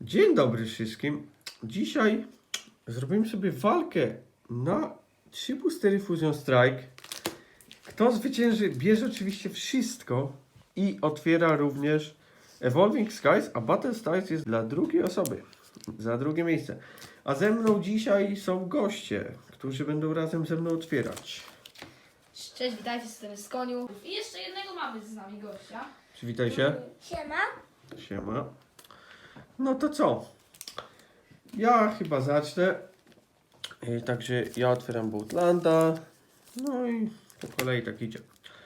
Dzień dobry wszystkim. Dzisiaj zrobimy sobie walkę na 3 boostery Fusion Strike. Kto zwycięży, bierze oczywiście wszystko i otwiera również Evolving Skies, a Battle Styles jest dla drugiej osoby, za drugie miejsce. A ze mną dzisiaj są goście, którzy będą razem ze mną otwierać. Cześć, witajcie, jestem z Koniu. I jeszcze jednego mamy z nami gościa. Przywitaj się. Siema. Siema. No to co? Ja chyba zacznę. Także ja otwieram Bootlanda. No i po kolei tak idzie.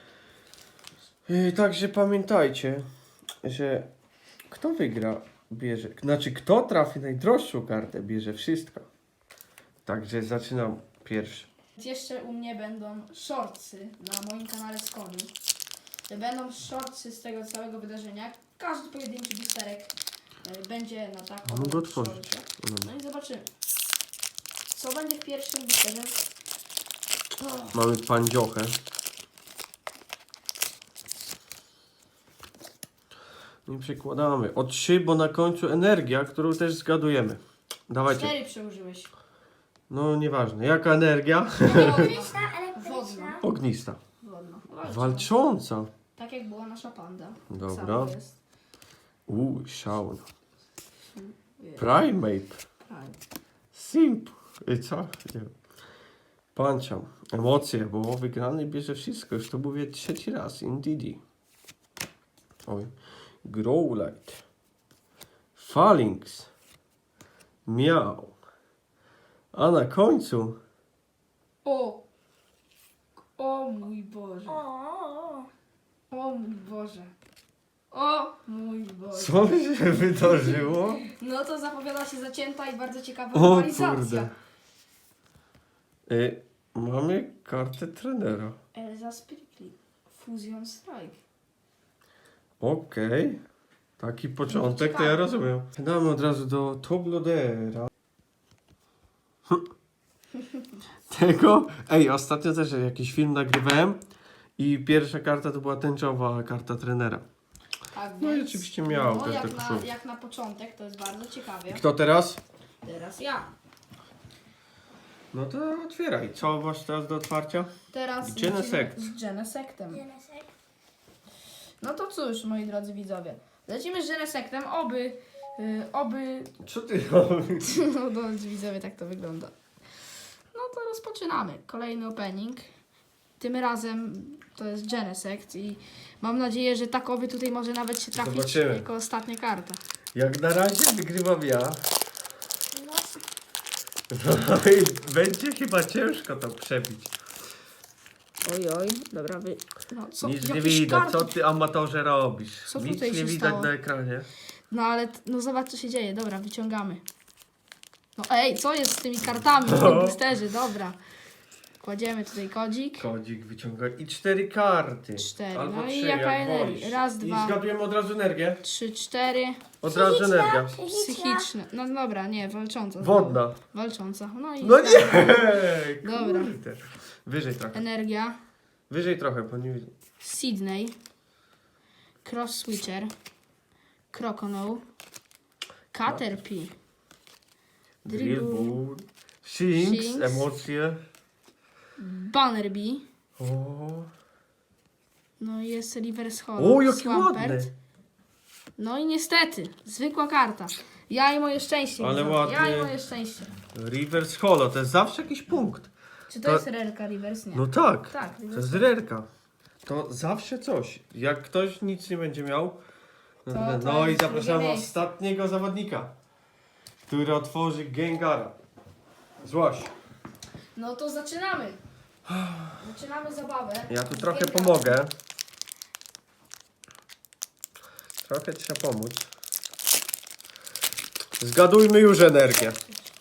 Także pamiętajcie, że kto wygra, bierze. Znaczy, kto trafi najdroższą kartę, bierze wszystko. Także zaczynam pierwszy. Jeszcze u mnie będą shortsy na moim kanale z Koniu. Będą shortsy z tego całego wydarzenia. Każdy pojedynczy boosterek będzie na taką. Mogę otworzyć. shorcie. No i zobaczymy, co będzie w pierwszym boosterze. Mamy pandziochę. Nie przekładamy. O 3, bo na końcu energia, którą też zgadujemy. Dawajcie. 4 przełożyłeś. No nieważne. Jaka energia? Elektryczna, elektryczna. Wodna. Ognista. Wodno. Walcząca. Tak jak była nasza panda. Dobra. Samo jest. Shaun. Jest. Primate. Tak. Simp. I co? Nie wiem. Puncham. Emocje, bo wygrany bierze wszystko. Już to mówię trzeci raz. Indeedy. Oj. Growlite. Phalanx. Miau. A na końcu O mój Boże. O. O mój Boże. O mój Boże. co się wydarzyło? No to zapowiada się zacięta i bardzo ciekawa O rywalizacja. kurde. Mamy kartę trenera. Elza Sprikli. Fusion Strike. Okej. Taki początek, to Ciekawe. ja rozumiem. Damy od razu do Toblodera. Tego? Ej, ostatnio też jakiś film nagrywałem i pierwsza karta to była tęczowa karta trenera. Tak, No i więc- oczywiście miał no, też jak, taką na, szufę. jak na początek, to jest bardzo ciekawie. Kto teraz? Teraz ja. No to otwieraj. Co masz teraz do otwarcia? Teraz Genesect. lecimy z Genesectem. Genesek. No to cóż, moi drodzy widzowie. Lecimy z Genesectem, oby... Co ty robisz? No drodzy widzowie, tak to wygląda. No to rozpoczynamy. Kolejny opening. Tym razem to jest Genesect i mam nadzieję, że takowy tutaj może nawet się trafić Zobaczymy. jako ostatnia karta. Jak na razie wygrywam ja. No. No i będzie chyba ciężko to przebić. Oj, dobra, no co, Nic nie jakieś widać, karty. co ty amatorze robisz? Co Nic tutaj nie się widać stało? na ekranie. No ale, no zobacz co się dzieje, dobra, wyciągamy. No ej, co jest z tymi kartami w tym boosterze, dobra. Kładziemy tutaj kodzik. Kodzik wyciąga i 4 karty. 4. Albo No 3, i jaka jak energia? wolisz. Raz, I dwa, zgadujemy od razu energię. 3, 4. Od razu energia. Psychiczne. No dobra, nie, walcząca. Wodna. Walcząca. No i No nie! Dobra. Kurde. Wyżej trochę. energia. Wyżej trochę, bo nie widzę. Sydney. Cross Switcher. Croconaw. Caterpie. Drillbur. Shinx, Shinx. emocje. Bannerbee. O, No i jest Reverse Hollow. o jaki Swampert. ładny. No i niestety, zwykła karta. Ja i moje szczęście. Ale widzowie. Ja ładny. i moje szczęście. Reverse Holo, to jest zawsze jakiś punkt. Czy to, To- jest rerka Reverse? Nie. No tak. Tak, To reverse. jest rerka. To zawsze coś. Jak ktoś nic nie będzie miał. No, To no i jest zapraszamy drugie miejsce. ostatniego zawodnika, który otworzy Gengara. Złaś. No to zaczynamy. Zaczynamy zabawę. Ja tu trochę Gengara. pomogę. Trochę trzeba pomóc. Zgadujmy już energię.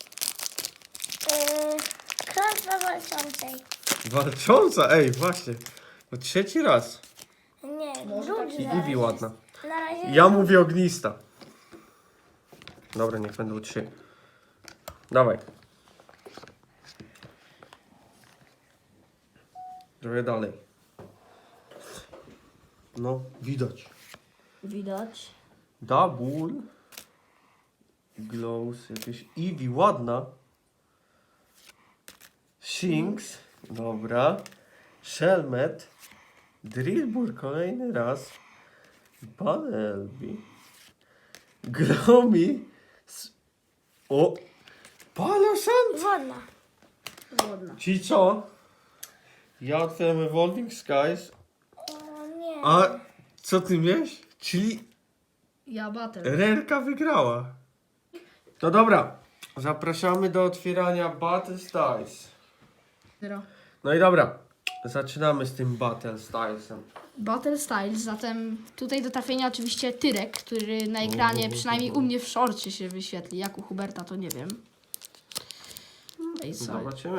Klątwa walczącej. Walcząca, ej, właśnie. No trzeci raz. Nie, Może drugi tak I raz. Eevee ładna. Na razie. Ja mówię ognista. Dobra, niech będą 3. Dawaj. Trochę dalej. No, widać. Widać. Double. Glows, jakieś Eevee, ładna. Shinx, dobra. Shelmet. Drillbur kolejny raz. Bunnelby. Glomi. O! Paloszant! Wodna. Wodna. Czyli co? Ja otwieram Evolving Skies. O nie. A co ty wiesz? Czyli Ja Battle. Rerka wygrała. To dobra. Zapraszamy do otwierania Battle Styles. Zero. No i dobra. Zaczynamy z tym Battle Stylesem. Battle Styles, zatem tutaj do trafienia oczywiście Tyrek, który na ekranie, przynajmniej u mnie w szorcie się wyświetli, jak u Huberta to nie wiem. No i co? Zobaczymy.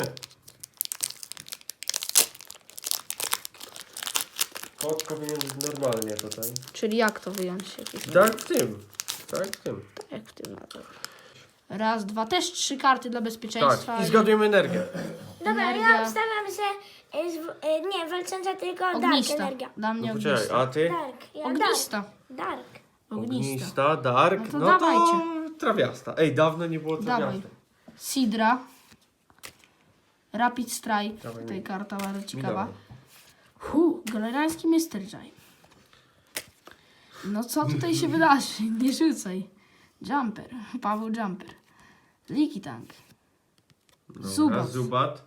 Kod powinien być normalnie tutaj. Czyli jak to wyjąć? Tak w tym. Tak w tym. Tak jak w tym. No to. Raz, dwa, też 3 karty dla bezpieczeństwa. Tak. I zgadujemy energię. Dobra, energia. ja obstawiam, że nie, walcząca tylko Dark Ognista. energia. Dla mnie No poczekaj, ognista. a ty? Dark. Ja Ognista. Dark. Ognista. Dark. No to No dawajcie. to trawiasta. Ej, dawno nie było Dawaj. trawiasta. Sidra. Rapid Strike. Dawaj Tutaj mi. karta bardzo Mi ciekawa. dawaj. Galerański Mr. J. No co tutaj się wydarzy? Nie rzucaj. Jumper. Paweł Jumper. Leaky Tank. Dobra, Zubat. Zubat.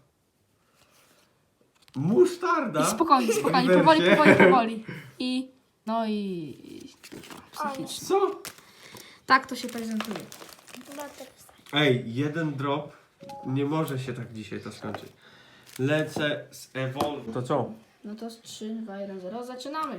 Musztarda. I spokojnie, spokojnie, Rewersie. powoli. I... No i... Psychicznie. Co? Tak to się prezentuje. Battle. Ej, jeden drop. Nie może się tak dzisiaj to skończyć. Lecę z Evolve. To co? No to z 3, 2, 1, 0. Zaczynamy.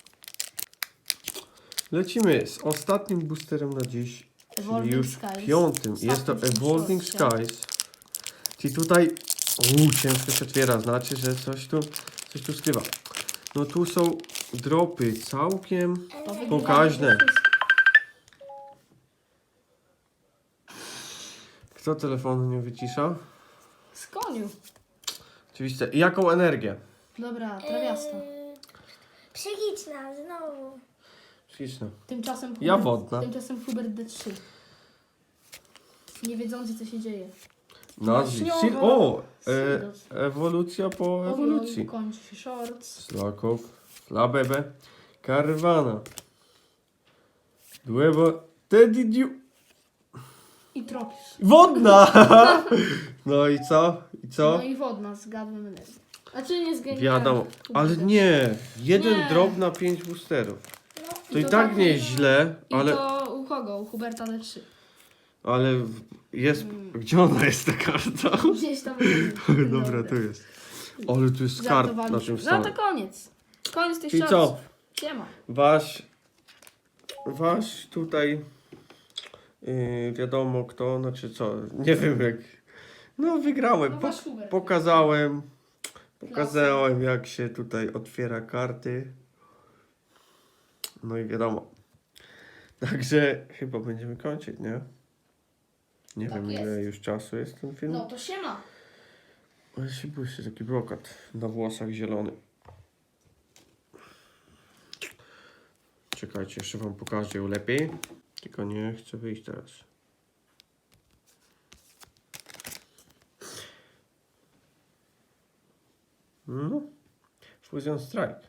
Lecimy z ostatnim boosterem na dziś. Czyli Evolving już Skies. 5. Jest to Ostatni Evolving short, Skies. Czyli tutaj... ciężko się otwiera. Znaczy, że coś tu skrywa. No tu są dropy całkiem pokaźne. Kto telefonu nie wycisza? Z koniu. Oczywiście. I jaką energię? Dobra, trawiasta. Psychiczna, znowu. Śliczne. Tymczasem Ja wodna. Tymczasem Hubert D3. Nie wiedzący co się dzieje. Nazwij. Śniowa. O! Sidos. Ewolucja po ewolucji. Kończy się shorts. Slakow. Slabebe. Karwana. Dłebo. Tedidiu. I Tropius. Wodna! No i co? I co? No i wodna, zgadłem energię. Znaczy nie zgadłem. Wiadomo. Ale nie. Jeden Nie. drop na 5 boosterów. No, To i tak nie jest źle, I ale... to u kogo? U Huberta D3. Ale jest... Gdzie ona jest ta karta? Gdzieś tam. Dobra, tu jest. Ale tu jest kart na Żartowaliśmy. tym No to stole. koniec. Koniec tych Czyli shortsów. co? Siema. Wasz tutaj... wiadomo kto, znaczy co, nie wiem jak... No wygrałem, No wasz Hubert. pokazałem jak się tutaj otwiera karty. No i wiadomo. Także chyba będziemy kończyć, nie? Nie Tak wiem jest. ile już czasu jest ten film. No to siema. Ale się błyszczy taki brokat na włosach zielony. Czekajcie, jeszcze wam pokażę ją lepiej. Tylko nie chcę wyjść teraz. No. Fusion Strike.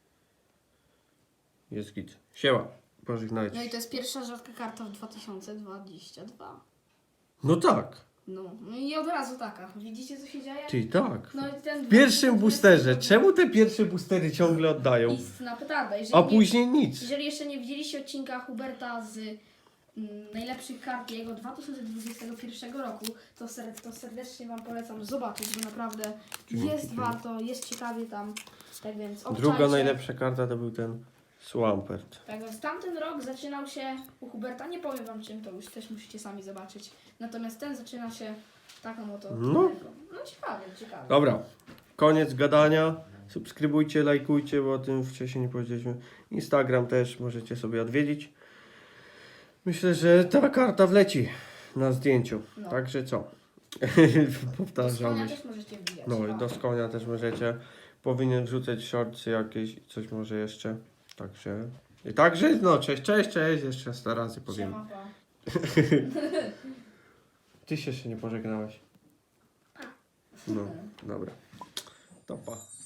Jest git. Siema. Pożegnajcie. No i to jest pierwsza rzadka karta w 2022. No tak. No i od razu taka. Widzicie co się dzieje? Czyli tak. No i ten W pierwszym boosterze. Czemu te pierwsze boostery ciągle oddają? Istna petarda. A później nic. Jeżeli jeszcze nie widzieliście odcinka Huberta z najlepszych kart jego 2021 roku, to serdecznie Wam polecam zobaczyć, bo naprawdę jest warto, jest ciekawie tam. Tak więc obczajcie. Druga najlepsza karta to był ten Swampert. Tak więc tamten rok zaczynał się u Huberta, nie powiem Wam czym, to już też musicie sami zobaczyć. Natomiast ten zaczyna się taką oto No. No ciekawie. Dobra, koniec gadania. Subskrybujcie, lajkujcie, bo o tym wcześniej nie powiedzieliśmy. Instagram też możecie sobie odwiedzić. Myślę, że ta karta wleci na zdjęciu. No. Także co? Z Powtarzamy konia się. też możecie wbijać. No i do konia też możecie. Powinien wrzucać shortsy jakieś, coś może jeszcze. Także no cześć, jeszcze 100 razy powiem. Siema, pa. Ty się jeszcze nie pożegnałeś. No, dobra. To pa.